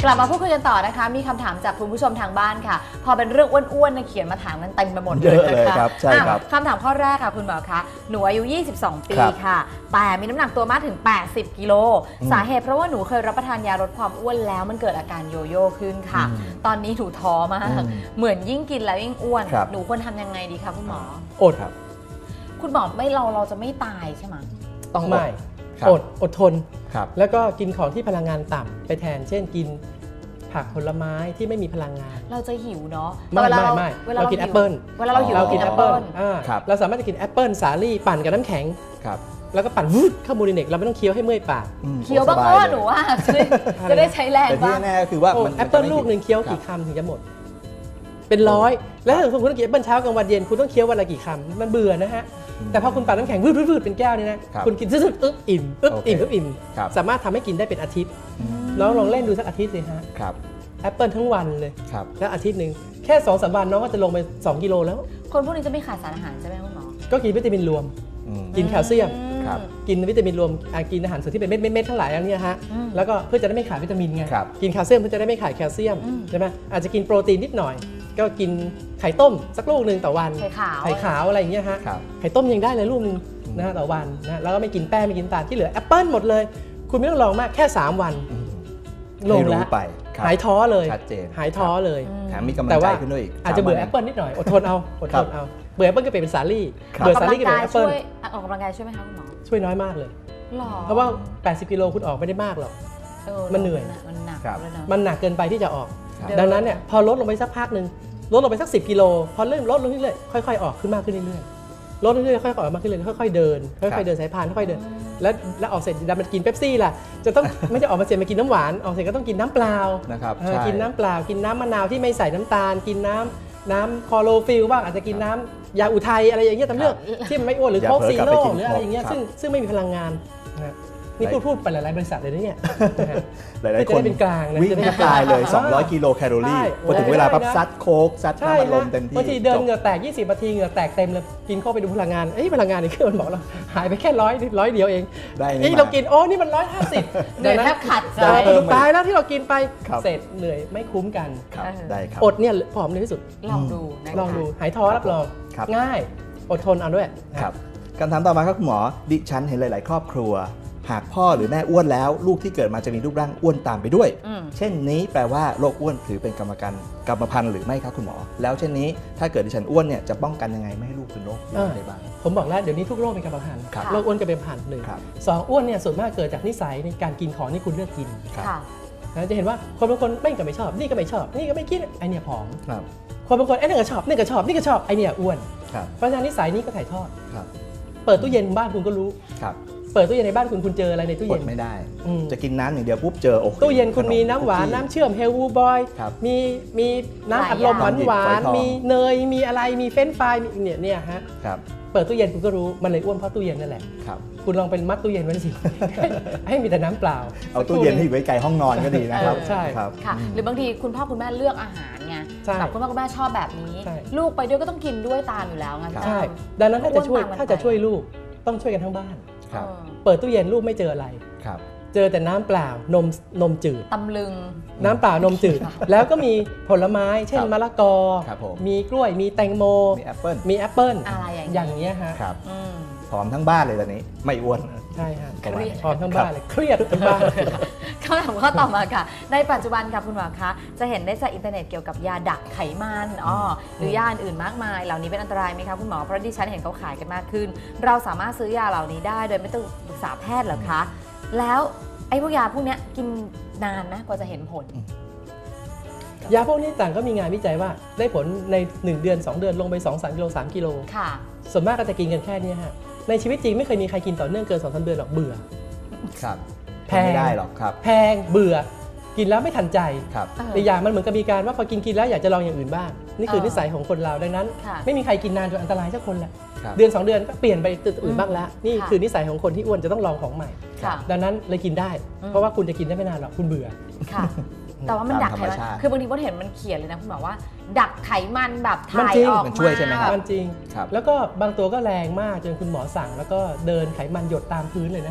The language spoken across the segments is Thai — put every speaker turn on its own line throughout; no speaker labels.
ลับมาพูดคุยกันต่อนะคะมีคำถามจากคุณผู้ชมทางบ้านค่ะพอเป็นเรื่องอ้วนๆเขียนมาถามกันเต็มไปหมดเลยนะคะ
ใช่ครับ
คำถามข้อแรกค่ะคุณหมอคะหนูอายุ22 ปีค่ะแต่มีน้ำหนักตัวมากถึง80 กิโลสาเหตุเพราะว่าหนูเคยรับประทานยาลดความอ้วนแล้วมันเกิดอาการโยโย่ขึ้นค่ะตอนนี้หนูท้อมากเหมือนยิ่งกินแล้วยิ่งอ้วนหนูควรทำยังไงดีคะคุณหมอ
อดครับ
คุณหมอไม่เราจะไม่ตายใช่ไหม
ต้องไม่อดทนแล้วก็กินของที่พลังงานต่ำไปแทนเช่นกินผักผลไม้ที่ไม่มีพลังงาน
เราจะหิวเนาะ
ไม่เรากินแอปเปิ้ล
เวลาเราหิวเรากินแอปเปิ้ล
เราสามารถจะกินแอปเปิ้ลสาลี่ปั่นกับน้ำแข็งแล้วก็ปั่นวืดเข้ามูลิเนกเราไม่ต้องเคี้ยวให้เมื่อยปาก
เคี้ยวบ้างก็หนูว่าจะได้ใช้แรงบ้าง
แต่ที่แน่คือว่า
แอปเปิ้ลลูกหนึ่งเคี้ยวกี่คำถึงจะหมดเป็นร้อยแล้วถ้าคุณต้องกินแอปเปิ้ลเช้ากลางวันเย็นคุณต้องเคี้ยววันละกี่คำมันเบื่อนะฮะแต่พอคุณปั่นน้ำแข็งวืดเป็นแก้วนี่นะคุณกินซึ๊ดอิ่มสามารถทำให้กินได้เป็นอาทิตย์น้องลองเล่นดูสักอาทิตย์สิฮะแอปเปิ้ลทั้งวันเลยแล้วอาทิตย์หนึ่งแค่ 2-3 วันน้องก็จะลงไป2 กิโลแล้ว
คนพวกนี้จะไม่ขาดสารอาหารใช่ไหมคุณหมอ
ก็กินวิตามินรวมกินแคลเซียมกินวิตามินรวมกินอาหารส่วนที่เป็นเม็ดทั้งหลายอย่างนี้ฮะแล้วก็เพื่อจะได้ไม่ขาดวิตามินไงกินแคลเซียมเพื่อจะได้ไม่ขาดแคลเซียมใช่ไหมอาจจะกินโปรตีนนิดหน่อยก็กินไข่ต้มสักลูกหนึ่งต่อวันไข่ขาวอะไรอย่างเงี้ยฮะไข่ต้มยังได้เลยลูกนึงนะต่อวันนะแล้วก็ไม่กินแป้งไม่กินน้ำตาลที่เหลือแอปเปิ้ลหมดเลยคุณไม่ต้องลองมากแค่3 วันลงแล้วหายท้อเลยหายท้อเลย
แถมมีกำลังใจขึ้นด้วยอีก
อาจจะเบื่อแอปเปิ้ลนิดหน่อยอดทนเอาเบื่อแอปเปิ้ลก็เปลี่ยนเป็นสาลี่เบื่อสาลี่ก็เป็นแอปเปิ้ล
ออกกำลังกายช่วยไหมคะคุณหมอ
ช่วยน้อยมากเลยเพราะว่า80 กิโลคุณออกไม่ได้มากหรอกมันเหนื่อยมันหนักเกินไปที่จะออกดังนั้นเนี่ยพอลดลงไปสักพักนึงลดลงไปสัก10 กิโลพอเริ่มลดลงเรื่อยๆค่อยๆออกขึ้นมากขึ้นเรื่อยๆลดเรื่อยๆค่อยๆออกมากขึ้นเรื่อยๆค่อยๆเดินสายพานค่อยๆเดินแล้วออกเสร็จดันมันกินเป๊ปซี่ล่ะจะต้องไม่จะออกมาเสร็จมากินน้ำหวานออกเสร็จก็ต้องกินน้ำเปล่า
นะครับ
กินน้ำเปล่ากินน้ำมะนาวที่ไม่ใส่น้ำตาลกินน้ำคลอโรฟิลบ้างอาจจะกินน้ำยาอุทัยอะไรอย่างเงี้ยตามเรื่องที่มันไม่อ้วนหรือโค้กซีโร่หรืออะไรอย่างเงี้ยซึ่งไม่มีพลังงานนี่พูดไปหลายๆบริษัทเลยนะเนี่ย
หลายๆคน
เป็นกลาง
วิ่งกลายเลย200 กิโลแคลอรี่พอถึงเวลาปั๊บซัดโค้กซัดน้ำอัดลมเต็มที่
บางทีเดินเหงื่อแตก20 นาทีเหงื่อแตกเต็มเลยกินเข้าไปดูพลังงานพลังงานในเครื่องมันบอกเราหายไปแค่100เดียวเองนี่เรากินนี่มัน150
เหนื่อยแทบขาดใจ
ตายแล้วที่เรากินไปเสร็จเหนื่อยไม่คุ้มกัน
ได้ครับ
อดเนี่ยผอมในที่สุด
ลองดู
หายท้อรับรองง่ายอดทนเอาด้วย
ครับคำถามต่อมาครับคุณหมอดิฉันเห็นหลายๆครอบครัวหากพ่อหรือแม่อ้วนแล้วลูกที่เกิดมาจะมีรูปร่างอ้วนตามไปด้วยเช่นนี้แปลว่าโรคอ้วนถือเป็นกรรมพันธุ์หรือไม่ครับคุณหมอแล้วเช่นนี้ถ้าเกิดดิฉันอ้วนเนี่ยจะป้องกันยังไงไม่ให้ลูกเป็นโรคได้บ้าง
ผมบอกแล้วเดี๋ยวนี้ทุกโรคเป็นกรรมพันธุ์โรคอ้วนก็เป็นพันธุ์หนึ่ง2อ้วนเนี่ยส่วนมากเกิดจากนิสัยในการกินของที่คุณเลือกกินจะเห็นว่าคนบางคนไม่ชอบนี่ก็ไม่ชอบนี่ก็ไม่กินไอเนี่ยผอมคนบางคนไอเนี่ยก็ชอบนี่ก็ชอบนี่ก็ชอบไอเนี่ยอ้วนเพราะฉะนั้นนิสัยนี้ก็ถ่ายทอดเปิดตู้เย็นบ้านคุณก็รู้เปิดตู้เย็นในบ้านคุณเจออะไรในตู้เย็น
ไม่ได้จะกินน้ำอย่างเดียวปุ๊บเจอ
ตู้เย็นคุณมีน้ำหวานน้ำเชื่อมเฮลวูบอยมีน้ำอัดลมหวานมีเนยมีอะไรมีเฟรนช์ฟรายเนี่ยฮะเปิดตู้เย็นคุณก็รู้มันเลยอ้วนเพราะตู้เย็นนั่นแหละคุณลองเป็นมัดตู้เย็นไว้สิให้มีแต่น้ำเปล่า
เอาตู้เย็นให้อยู่ไกลห้องนอนก็ดีนะครับ
ใช่
ครับ
หรือบางทีคุณพ่อคุณแม่เลือกอาหารไงแบบคุณพ่อคุณแม่ชอบแบบนี้ลูกไปด้วยก็ต้องกินด้วยตามอยู่แล้วไง
ใช่ดังนั้นถ้าจะช่วยลูกต้องช่วยกันทั้งบ้านเปิดตู้เย็นลูกไม่เจออะไรเจอแต่น้ำเปล่านมจืด
ตำลึง
น้ำเปล่านมจืดแล้วก็มีผลไม้เช่นมะละกอมีกล้วยมีแตงโม
มีแอปเปิ้ล
อะไร
อย่างเงี้ยฮะ
ผอมทั้งบ้านเลยตอนนี้ไม่อ้วน
ใช่ฮะผอมทั้งบ้านเลยเครียดทั้งบ้าน
คำถามข้อต่อมาค่ะในปัจจุบันค่ะคุณหมอคะจะเห็นได้จากอินเทอร์เน็ตเกี่ยวกับยาดักไขมันหรือยาอื่นมากมายเหล่านี้เป็นอันตรายไหมคะคุณหมอเพราะดิฉันเห็นเขาขายกันมากขึ้นเราสามารถซื้อยาเหล่านี้ได้โดยไม่ต้องปรึกษาแพทย์หรอคะแล้วไอ้พวกยาพวกนี้กินนานนะกว่าจะเห็นผล
ยาพวกนี้ต่างก็มีงานวิจัยว่าได้ผลใน1 เดือน2 เดือนลงไป 2-3 กิโล3 กิโลส่วนมากก็จะกินกันแค่นี้ฮะในชีวิตจริงไม่เคยมีใครกินต่อเนื่องเกิน 2-3 เดือนหรอกเบื่อ
แพงไม่ได้หรอกครับ
แพงเบื่อกินแล้วไม่ทันใจแต่อย่างมันเหมือนกับมีการว่าพอกินแล้วอยากจะลองอย่างอื่นบ้างนี่คือนิสัยของคนเราดังนั้นไม่มีใครกินนานจนอันตรายสักคนแหละเดือน2 เดือนก็เปลี่ยนไปตัวอื่นบ้างแล้วนี่คือนิสัยของคนที่อ้วนจะต้องลองของใหม่ดังนั้นเลยกินได้เพราะว่าคุณจะกินได้ไม่นานหรอกคุณเบื่อ
แต่ว่ามันดักไขมันคือบางทีผมเห็นมันเขียนเลยนะคุณหมอว่าดักไขมันแบบถ่ายออกมา
ช่วยใช่ไหมครับ
มันจริงแล้วก็บางตัวก็แรงมากจนคุณหมอสั่งแล้วก็เดินไขมันหยดตามพื้นเลยนะฮะ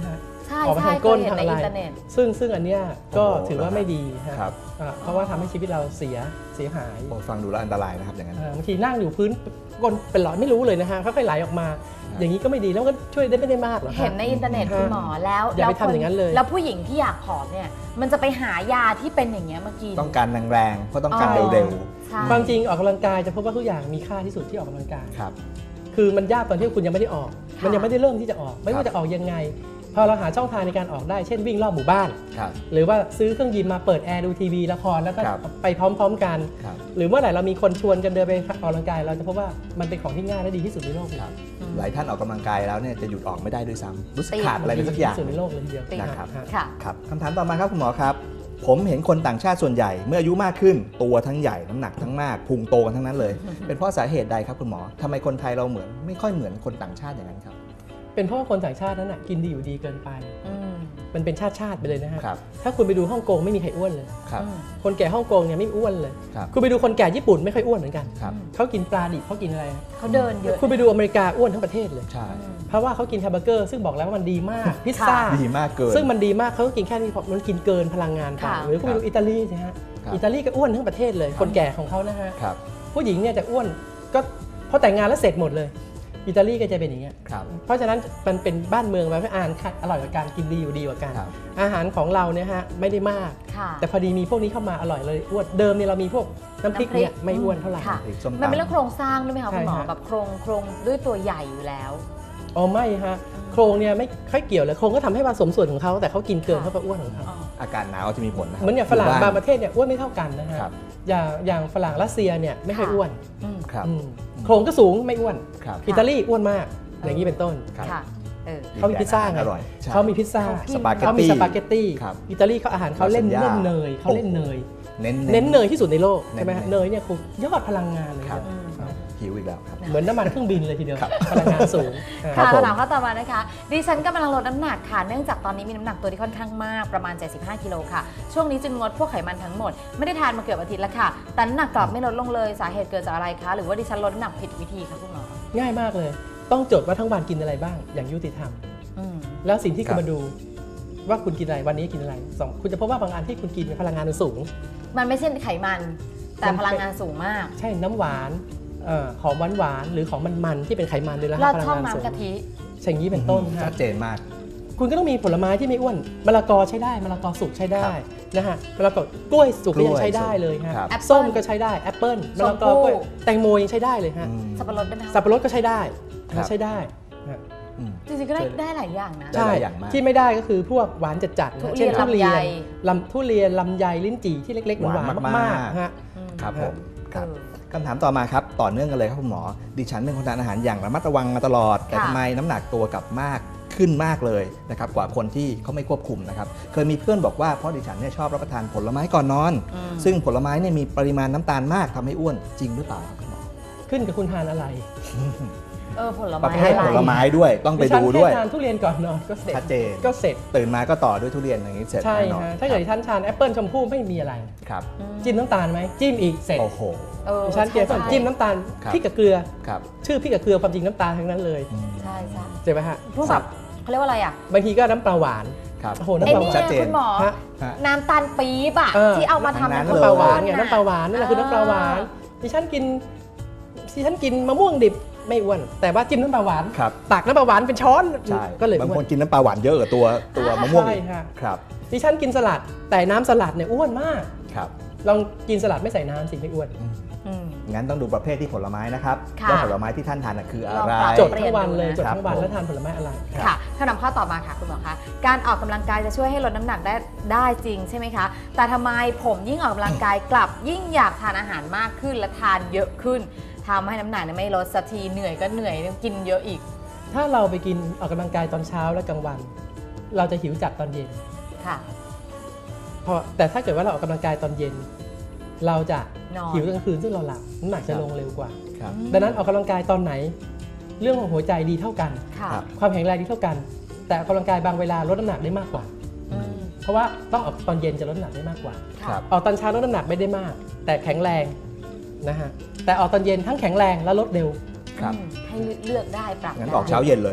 ใช่
ออกมา
ใช่
ทางก้น
เคยเห็น
ทาง
ใน
อะไร
อินเทอร์เน็ต
ซึ่งอันเนี้ยก็
โอ้โห
ถือว่าไม่ดีฮะ
ครับ
เพราะว่าทำให้ชีวิตเราเสียหาย
โอ้ฟังดูแล้วอันตรายนะครับอย่างนั้น
บางทีนั่งอยู่พื้นก้นเป็นหลอดไม่รู้เลยนะฮะค่อยๆไหลออกมา อย่างนี้ก็ไม่ดีแล้วก็ช่วยได้ไม่ได้มากหรอก
เห็นในอินเทอร์เน็ตคุณหมอแล้ว
อย่าไป
แล้ว
ทำอย่างนั้นเลย
แล้วผู้หญิงที่อยากผอมเนี่ยมันจะไปหายาที่เป็นอย่างเงี้ยมากิน
ต้องการแรงๆเพราะต้องการ
อ๋อ
เร็ว
ใช่
ความจริงออกกำลังกายจะพบว่าทุกอย่างมีค่าที่สุดที่ออกกำลังกาย
ๆครับ
คือมันยากตอนที่คุณยังไม่ได้ออก
ค่ะ
มันยังไม่ได้เริ่มที่จะออก ไม่ว่าจะออกยังไง พอเราหาช่องทางในการออกได้ เช่นวิ่งรอบหมู่บ้าน
ครับ
หรือว่าซื้อเครื่องยิมมาเปิดแอร์ดูทีวีละครแล้วก็
ครับ
ไปพร้อมๆกัน
ครับ
หรือเมื่อไหร่เรามีคนชวนกันเดินไปออกกำลังกายเราจะพบว่ามันเป็นของที่ง่ายและดีที่สุดในโลก
ครับ หลายท่านออกกำลังกายแล้วเนี่ยจะหยุดออกไม่ได้ด้วยซ้ำรู้สึก
ติด
ขาดอะไรไปสักอย่าง
ดีที่สุดในโลกเลยทีเดียว
ติด
นะครับ
ค่ะ
ครับคำถามต่อมาครับคุณหมอครับ ผมเห็นคนต่างชาติส่วนใหญ่เมื่ออายุมากขึ้น ตัวทั้งใหญ่น้ำหนักทั้งมากพุงโตกันทั้งนั้นเลย เป็นเพราะสาเหตุใดครับคุณหมอทำไมคนไทยเราเหมือนไม่ค่อยเหมือนคนต่างชาติอย่างนั้นครับ
เป็นเพราะว่าคนต่างชาตินั้นกินดีอยู่ดีเกินไป
อืม
มันเป็นชาติไปเลยนะฮะ
ครับ
ถ้าคุณไปดูฮ่องกงไม่มีใครอ้วนเลย
ครับ
อืม
คนแก่ฮ่องกงเนี่ยไม่อ้วนเลย
ครับ
คุณไปดูคนแก่ญี่ปุ่นไม่ค่อยอ้วนเหมือนกัน
ครับ
เขากินปลาดิบเขากินอะไร
เขาเดินเยอะ
คุณไปดูอเมริกาอ้วนทั้งประเทศเลย
ใช่
เพราะว่าเขากินแฮมเบอร์เกอร์ซึ่งบอกแล้วว่ามันดีมาก พิซซ่า
ดีมากเกิน
ซึ่งมันดีมากเขาก็กินแค่นี้เพราะมันกินเกินพลังงานไป
ค่ะ
หรือคุณไปดูอิตาลีสิฮะ
ครับ
อิตาลีก็อ้วนทั้งประเทศเลย คนแก่ของเขานะฮะ
ครับ
ผู้หญิงเนี่ยจะอ้วนก็พอแต่งงานแล้วเสร็จหมดเลย อิตาลีก็จะเป็นอย่างเงี้ย
ครับ
เพราะฉะนั้นมันเป็นบ้านเมืองแบบว่าอาหารอร่อยกว่าการกินดีอยู่ดีกว่ากัน
ครับ
อาหารของเราเนี่ยฮะไม่ได้มาก
ค่ะ
แต่พอดีมีพวกนี้เข้ามาอร่อยเลยอ้วนเดิมเนี่ยเรามีพวกน้ำพริกเนี่ยไม่อ้วนเท่าไหร่
ค่ะ
พริกส้ม
มันเป็น
ตำ
เรื่องโครงสร้างด้วยไหมคะคุณหมอ
ใช่ฮะ
แบบโครงด้วยตัวใหญ่อยู่แล้ว
อ๋อไม่ฮะโครงเนี่ยไม่ค่อยเกี่ยวเลยโครงก็ทำให้ผสมส่วนของเขาแต่เขากินเกิน
ค่ะ
เขาก็อ้วนของเขา
อ๋อ
อากาศหนาวจะมีผลนะครั
เหมือนอย่างฝรั่ง
ยู่
บางประเทศเนี่ยอ้วนไม่เท่ากันนะฮะ
ครับ
อย่างฝรั่งรัสเซียเนี่ยไม่ค่อย
ค่ะ
อ้วน
อืม
ครับ
อืมโครงก็สูงไม่อ้วน
ครับ
อิตาลีอ้วนมากอย่างนี้เป็นต้น
ครับ
ค่ะเออ
เขามีพิซซ่าไง
อร่อยใช่
เขามีพิซซ่า
สปาเกตตี้
เขามีสปาเกตตี้
ครับ
อิตาลีเขาอาหารเขาเล่น
ลาซานญ่า
เล่นเนยเขาเล่นเนย
เน้น
เน้นเนยที่สุดในโลกใช่ไหมฮะ
เน้น
เนยเนี่ยคือยอดพลังงานเลย
ครับ
อืม
หิวอีกแล้วครับ
เหมือนน้ำมันเครื่องบินเลยทีเดียว
ครับ
พลังงานสูง
ครั
ค่ะ
บผม
คำถามข้อต่อมานะคะดิฉันกำลังลดน้ำหนักค่ะเนื่องจากตอนนี้มีน้ำหนักตัวที่ค่อนข้างมากประมาณ 75 กิโลค่ะช่วงนี้จึงงดพวกไขมันทั้งหมดไม่ได้ทานมาเกือบอาทิตย์แล้วค่ะแต่น้ำหนักกลับไม่ลดลงเลยสาเหตุเกิดจากอะไรคะหรือว่าดิฉันลดน้ำหนักผิดวิธีคะคุณหมอ
ง่ายมากเลย ต้องจดว่าทั้งวันกินอะไรบ้าง อย่างยุติธรรม
อืม
แล้วสิ่งที่
ครั
คุณ
บ
มาดูว่าคุณกินอะไรวันนี้กินอะไรสองคุณจะพบว่าบางอันที่คุณกินเนี่ยพลังงานมันสูง
มันไม่ใช่ไขมัน แต่
มันเป็น
พลังงานสูงมาก
ใช่น้ำหวานของหวานๆหรือของมันๆที่เป็นไขมันเลยละ
เรา
พลั
ชอบ
งานสูง
น้ำกะทิ
อย่างนี้เป็นต้น
ชั
ฮะ
ดเจนมาก
คุณก็ต้องมีผลไม้ที่ไม่อ้วนมะละกอใช้ได้มะละกอสุกใช้ได้
ครับ
นะฮะมะละกอกล้วยสุกก็ยังใช้ได้เลยฮะ
ครับ
แอปเปิ้ล
ส้มก็ใช้ได้แอปเปิ้ลมะละกอกล้วย
ชมพู่
แตงโมยังใช้ได้เลยฮะ
อืม
สับปะรดได้ไหมคะ
สับปะรดก็ใช้ได้
ครับ
ใช้ได้ฮะ
อืม
จริงๆก็ได้หลายอย่างนะ
ได้หลายอย่างมาก
ที่ไม่ได้ก็คือพวกหวานจัดๆ
ทุ
นะ
เรียน
เช่นทุเรียน
ลำไย
ทุเรียนลำไยลิ้นจี่ที่เล็กๆหวาน
หวานมากๆ
มากๆฮะ
อืม
ครับผมครับ
เออ
คำถามต่อมาครับต่อเนื่องกันเลยครับคุณหมอ ดิฉันเป็นคนทานอาหารอย่างระมัดระวังมาตลอด แต่
ค่ะ
ทำไมน้ำหนักตัวกลับมากขึ้นมากเลยนะครับกว่าคนที่เขาไม่ควบคุมนะครับเคยมีเพื่อนบอกว่าเพราะดิฉันเนี่ยชอบรับประทานผลไม้ก่อนนอน
อืม
ซึ่งผลไม้เนี่ยมีปริมาณน้ำตาลมากทำให้อ้วนจริงหรือเปล่าครับคุณหมอ
ขึ้นกับคุณทานอะไร
ผล
ประ
ไม้
เภท
อะไร
ผลไม้ด้วยต้องไปดูด้วย
ดิฉันแค่ทานทุเรียนก่อนนอนก็เสร็จ
ชัดเจน
ก็เสร็จ
ตื่นมาก็ต่อด้วยทุเรียนอย่างนี้เสร็จ
ใช่
แน่นอน
ฮะถ้าเกิดท่านทานแอปเปิลชมพู่ไม่มีอะไร
ครับ
จิ้มน้ำตาลไหมจิ้มอีกเสร็จ
โอ้โห
ดิฉันเกลียด
ใช่
จิ้มน้ำตาล
ครับ
พริกกับเกลือ
ครับ
ชื่อพริกกับเกลือความจริงน้ำตาลทั้งนั้นเลย
อืม
ใช่ใช่
ใช่ไหมฮะ
พวกแบบเขาเรียกว่าอะไรอ่ะ
บางทีก็น้ำปลาหวาน
ครับ
โอ้โห
ไอ้
น้ำปลาห
นี่
วาน
ชัดเจน
คุณหมอ
ฮะ
ฮะ
น้ำตาลปี๊บอะ
เออ
ที่เอามาทำ
ทั้งนั้น
เป็น
น้ำปลาหวาน
ข้
ไง
วโพด
น้ำปลาหวานนั่นแหละคือน้ำปลาหวานดิฉันกินมะม่วงดิบไม่อ้วนแต่ว่าจิ้มน้ำปลาหวาน
ครับ
ตักน้ำปลาหวานเป็นช้อน
ใช่
ก็เลย
บาง
อ้
ค
วน
นกินน้ำปลาหวานเยอะกว่าตัวมะม่วง
ใช่
อีก
ฮะ
ครับ
ดิฉันกินสลัดแต่น้ำสลัดเนี่ยอ้วนมาก
ครับ
ลองกินสลัดไม่ใส่น้ำสิไม่อ้วน
อืม
งั้นต้องดูประเภทที่ผลไม้นะครับ
ค่ะ
ว่าผลไม้ที่ท่านทานน่ะคืออะไร
ลองปรับ
จดทั้งวันเลย
เปลี่ยนดูนะ
จดทั้งวัน
ครับ
แล้วทานผลไม้อะไร
ค่ะคำถามข้อต่อมาค่ะคุณหมอคะการออกกำลังกายจะช่วยให้ลดน้ำหนักได้จริงใช่ไหมคะแต่ทำไมผมยิ่งออกกำลังกายกลับยิ่งอยากทานอาหารมากขึ้นและทานเยอะขึ้นทำให้น้ำหนักไม่ลดสักทีเหนื่อยก็เหนื่อยกินเยอะอีก
ถ้าเราไปกินออกกำลังกายตอนเช้าและกลางวัน เราจะหิวจัดตอนเย็น
ค่ะ
แต่ถ้าเกิดว่าเราออกกำลังกายตอนเย็น เราจะ
นอน
หิวกลางคืนซึ่งเราหลับน้ำหนักจะลงเร็วกว่า
ครับ
ดังนั้นออกกำลังกายตอนไหน เรื่องของหัวใจดีเท่ากัน
ค่ะ
ครับ
ความแข็งแรงดีเท่ากัน แต่ออกกำลังกายบางเวลาลดน้ำหนักได้มากกว่า
อืม
เพราะว่าต้องออกตอนเย็นจะลดน้ำหนักได้มากกว่า
ครั
ค่ะ
บ
ออกตอนเช้าลดน้ำหนักไม่ได้มาก แต่แข็งแรงนะฮะแต่ออกตอนเย็นทั้งแข็งแรงและลดเร็ว
ครับ
ให้เลือกได้ปรับ
งั้น
ได้
ออกเช้าเย็นเลย
ค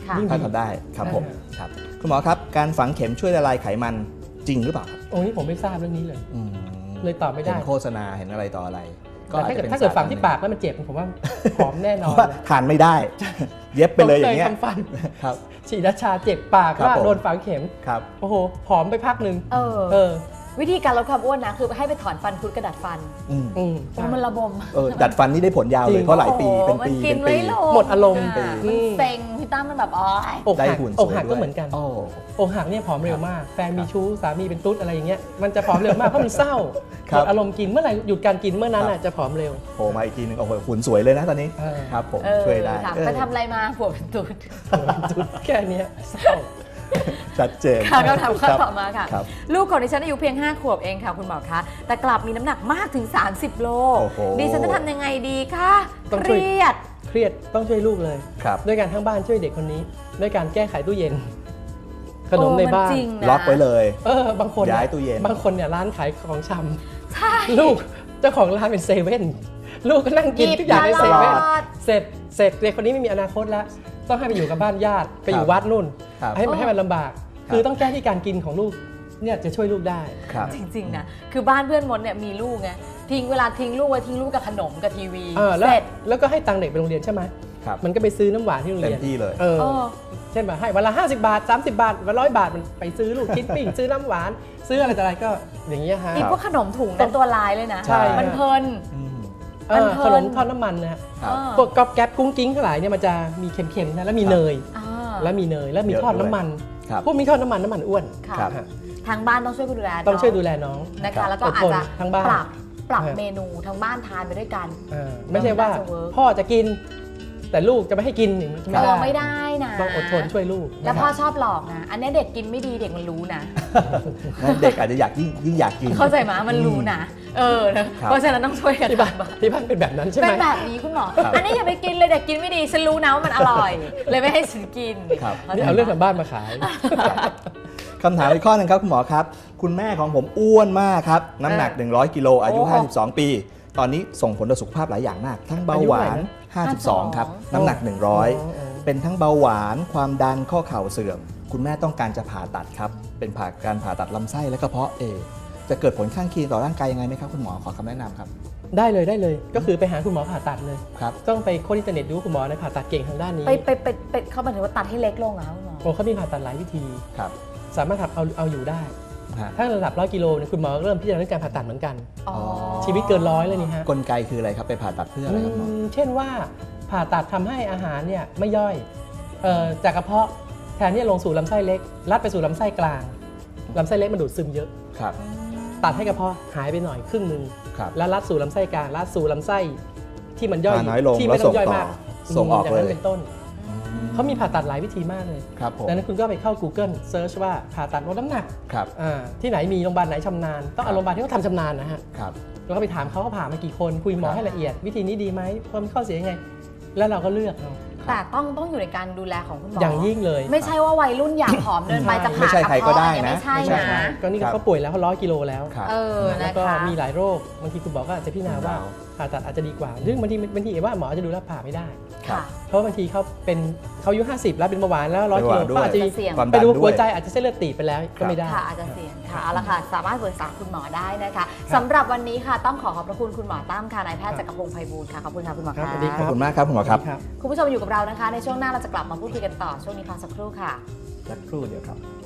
ค่ะ
ยิ่ง
ถ้า
ดี
ทำได้ครับผมครับคุณหมอครับการฝังเข็มช่วยละลายไขมันจริงหรือเปล่าครับ
โอ้นี่ผมไม่ทราบเรื่องนี้เลย
อืม
เลยตอบไม่ได้
เห็นโฆษณาเห็นอะไรต่ออะไร
แต่ถ้าเกิดฝังที่ปากแล้วมันเจ็บผมว่าผอมแน่น
เพ
อน
ราะว่า
เลย
ทานไม่ได้ เย็บไปเลยอย่างเงี้ย
ผมคทำฟัน
ครับ
ฉีดยาชาเจ็บปาก
ครับ
ว่า
ผม
โดนฝังเข็ม
ครับ
โอ้โหผอมไปพักหนึ่ง
เออวิธีการลดความอ้วนนะคือให้ไปถอนฟันคุดกระดัดฟัน
อืม
โอ้
โอ้มันระบม
ดัดฟันนี่ได้ผลยาวเลยเพราะหลายปีเป็นปี
มันกิ
เป็น น
ไม่
ปี
ลง
หมดอารมณ์
มันเซ็งพี่ตั้มมันแบบอ๋อ
อก
ได้
หัก
หุ่นส
อ
วย
กหัก
ด้
ก็
วย
เหมือนกัน
โอ้
อกหักเนี่ยผอมเร็วมากแฟนมีชู้สามีเป็นตุ๊ดอะไรอย่างเงี้ยมันจะผอมเร็วมากเพราะมันเศร้า
ค
ห
รั
ม
บ
ดอารมณ์กินเมื่อไหร่หยุดการกินเมื่อนั้น
ครับ
น่ะจะผอมเร็ว
โผล่มาอีกทีหนึงโอ้โหหุ่นสวยเลยนะตอนนี้
เออ
ครับผม
เออ
ช่วยได้
ถาม
เออ
ไปทำอะไรมาผัวเป็นตุ๊ด
ตุ๊ดแค่เนี้ยเศร้า
ชัดเจน
ค่ะคำถามข้อ
ครับ
ต่อมาค่ะ
ครับ
ลูกของดิฉันอายุเพียง 5 ขวบเองค่ะคุณหมอคะ แต่กลับมีน้ำหนักมากถึง 30 โล
โอ้โห
ดิฉันจะทำยังไงดีคะ
ต้อง
เค
ช่วย
รียด
เครียดต้องช่วยลูกเลย
ครับ
ด้วยการทั้งบ้านช่วยเด็กคนนี้ด้วยการแก้ไขตู้เย็น ขนมในบ้าน
จริงนะ
ล็อกไว้เลย
บางคน
ย้ายตู้เย็น
บางคนเนี่ยร้านขายของชำ
ใช่
ลูกเจ้าของร้านเป็นเซเว่นลูกก็นั่งกินทุกอย่างในเซเว่น
หยิบตลอด
เสร็จเด็กคนนี้ไม่มีอนาคตแล้ว ต้องให้ไปอยู่กับบ้านญาติไปอยู่วัดนู่น
ครับ
ให้มันลำบาก คือต้องแก้ที่การกินของลูกเนี่ยจะช่วยลูกได้
ครับ
จริงๆนะคือบ้านเพื่อนมดเนี่ยมีลูกไงเวลาทิ้งลูกไว้ทิ้งลูกกับขนมกับทีวี
แล้ว
เสร็จ
แล้วก็ให้ตังค์เด็กไปโรงเรียนใช่ไหม
ครับ
มันก็ไปซื้อน้ำหวานที่โรง
เต็
เรี
ม
ยน
ที่เลย
เออ
เช่นแบบให้วันละ50 บาท 30 บาทวัน100 บาทมันไปซื้อลูกชิ้นปิ้ง ซื้อน้ำหวาน ซื้ออะไรต่ออะไรก็อย่างเงี้ยฮะ
อีพวกขนมถุงนั้นตัวลายเลยนะ
ใช่
มันเพลิน
อืม
มันเพลิน
ขนมทอดน้ำมันนะฮะ
ครับ
พวกก๊อบแก๊บกุ้งกิ้งทั้งหลายเนี่ยมันจะมีเค็มๆนะแล้วมีเนย
อ่า
แล้วมีเนยแล้วมี
เยอะ
ทอด
ด้วย
น้ำมัน
ครับ
พวกมีทอดน้ำมันอ้วน
ค่ะ
ครับ
ฮะ
ทางบ้านต้องช่วยดูแล
ต้องช่วยดู
น้
แลน้อง
นะ
ครั
คะ
บ
แล้วก็อาจจะ
ทั้งบ้าน
ปรับ
ฮะ
เมนูทั้งบ้านทานไปด้วยกัน
ไม่ใช่ว่า
น่าจะเวิร์ก
พ่อจะกิน แต่ลูกจะไม่ให้กินอย่างนี้
ไม่ได้นะ
ต้องอดทนช่วยลูก
แล้วพ่อชอบหลอกนะ อันนี้เด็กกินไม่ดีเด็กมันรู้นะ
งั้นเด็กอาจจะอยากยิ่งอยากกิน
เข้าใจไหมมันรู้นะ นะเพราะฉะนั้นต้องช่วยกัน
ที่บ้าน
ทำ
ที่บ้านเป็นแบบนั้นใช่ไหม
เป็นแบบนี้คุณหมอ
ครับ
อันนี้อย่าไปกินเลยเด็กกินไม่ดีฉันรู้นะว่ามันอร่อย เลยไม่ให้ฉันกิน
ครับ
นี่เอาเรื่องทางบ้านมาขาย
คำถามอีกข้อหนึงครับคุณหมอครับ คุณแม่ของผมอ้วนมากครับ น้ำหนัก 100 กิโลอายุ
โอ้
52 ปี ตอนนี้ส่งผลต่อสุขภาพหลายอย่างมาก ทั้งเบาหวาน 52 ครับ น้ำหนัก 100 เป็นทั้งเบาหวาน ความดันข้อเข่าเสื่อม คุณแม่ต้องการจะผ่าตัดครับ เป็นการผ่าตัดลำไส้และกระเพาะจะเกิดผลข้างเคียงต่อร่างกายยังไงไหมครับคุณหมอขอคำแนะนำครับ
ได้เลยก็คือไปหาคุณหมอผ่าตัดเลย
ครับ
ต้องไปค้นอินเทอร์เน็ตดูคุณหมอในผ่าตัดเก่งทางด้านนี้
ไปเขาหมายถึงว่าตัดให้เล็กลงเหรอคะคุณหมอ
โอ้เขามีผ่าตัดหลายวิธี
ครับ
สามารถทำเอาอยู่ได้
ฮะ
ถ้าระดับ100 กิโลเนี่ยคุณหมอเริ่มพิจารณาเรื่องการผ่าตัดเหมือนกัน
อ๋อ
ชีวิตเกิน100เลยนี่ฮะ
กลไกคืออะไรครับไปผ่าตัดเพื่ออะไรครับหมอ
เช่นว่าผ่าตัดทำให้อาหารเนี่ยไม่ย่อยจากกระเพาะแทนที่จะลงสู่ลำไส้เล็กลัดไปสู่ลำไส้กลางลำไส้เล็กมันดูดซึมเยอะ
ครับ
ตัดให้กระเพาะหายไปหน่อยครึ่งหนึ่ง
ครับ
แล้วลัดสู่ลำไส้กลางลัดสู่ลำไส้ที่มันย่อย
น้อยลง
ที่
แล้ว
ไม่ต้องย่อย
ส่งต่อ
มาก
ส่งออก
ย่างนั้น
เลย
เป็นต้นเขามีผ่าตัดหลายวิธีมากเลย
ครับผม
ดังนั้นคุณก็ไปเข้า Google Search ว่าผ่าตัดลดน้ำหนัก
ครับ
ที่ไหนมีโรงพยาบาลไหนชำนาญต้องเอาโรงพยาบาลที่เขาทำชำนาญนะฮะ
ครับ
แล้วก็ไปถามเขาผ่ามากี่คนคุยหมอให้ละเอียดวิธีนี้ดีไหมเพิ่มข้อเสียยังไง แล้วเราก็เลือกเอา
แต่ต้องอยู่ในการดูแลของคุณหมอ
อ
อย่าง
ยิ่งเลย
ไม่ใช่ว่าวัยรุ่นอยากผอมเดินไปจะ
ไม่
ผ่า
ใช่ใครก็ได้นะ
ไม่ใช่
ไม่ใช่
นะ
ก็นี่
ครับ
เขาป่วยแล้วเขา100 กิโลแล้ว
ครับ
แล้
นะ
วก็
คะ
มีหลายโรคบางทีคุณหมอก็อาจจะพิจารณาว่าผ่าตัดอาจจะดีกว่าซึ่งบางทีว่าหมอจะดูแลผ่าไม่ได้
ค่ะ
เพราะบางทีเขาอายุ50แล้วเป็นเบาหวานแล้ว100 กิโล
ด้วย
ก็อาจจะมี
เสี่ยง
ความ
ไป
ดัน
ดู
ด้
หั
ว
วย ใจอาจจะเส้นเลือดตีบไปแล้วก็ไม่ได้
ค่ะอาจจะเสี่ยงค่ะเอาละค่ะสามารถปรึกษาคุณหมอได้นะคะสำหรับวันนี้ค่ะต้องขอบพระคุณคุณหมอตั้มค่ะนายแพทย์จักรพงศ์ไพบูลย์ค่ะขอบคุณค่ะคุณหมอ
ครับ
ค่ะ
สวัสดี
ขอบคุณมากครับคุณหมอครับ
ครับ
คุณผู้ชมอยู่กับเรานะคะ ในช่วงหน้าเราจะกลับมาพูดคุยกันต่อช่วงนี้พักสักครู่ค่ะ
สักครู่เดียวครับ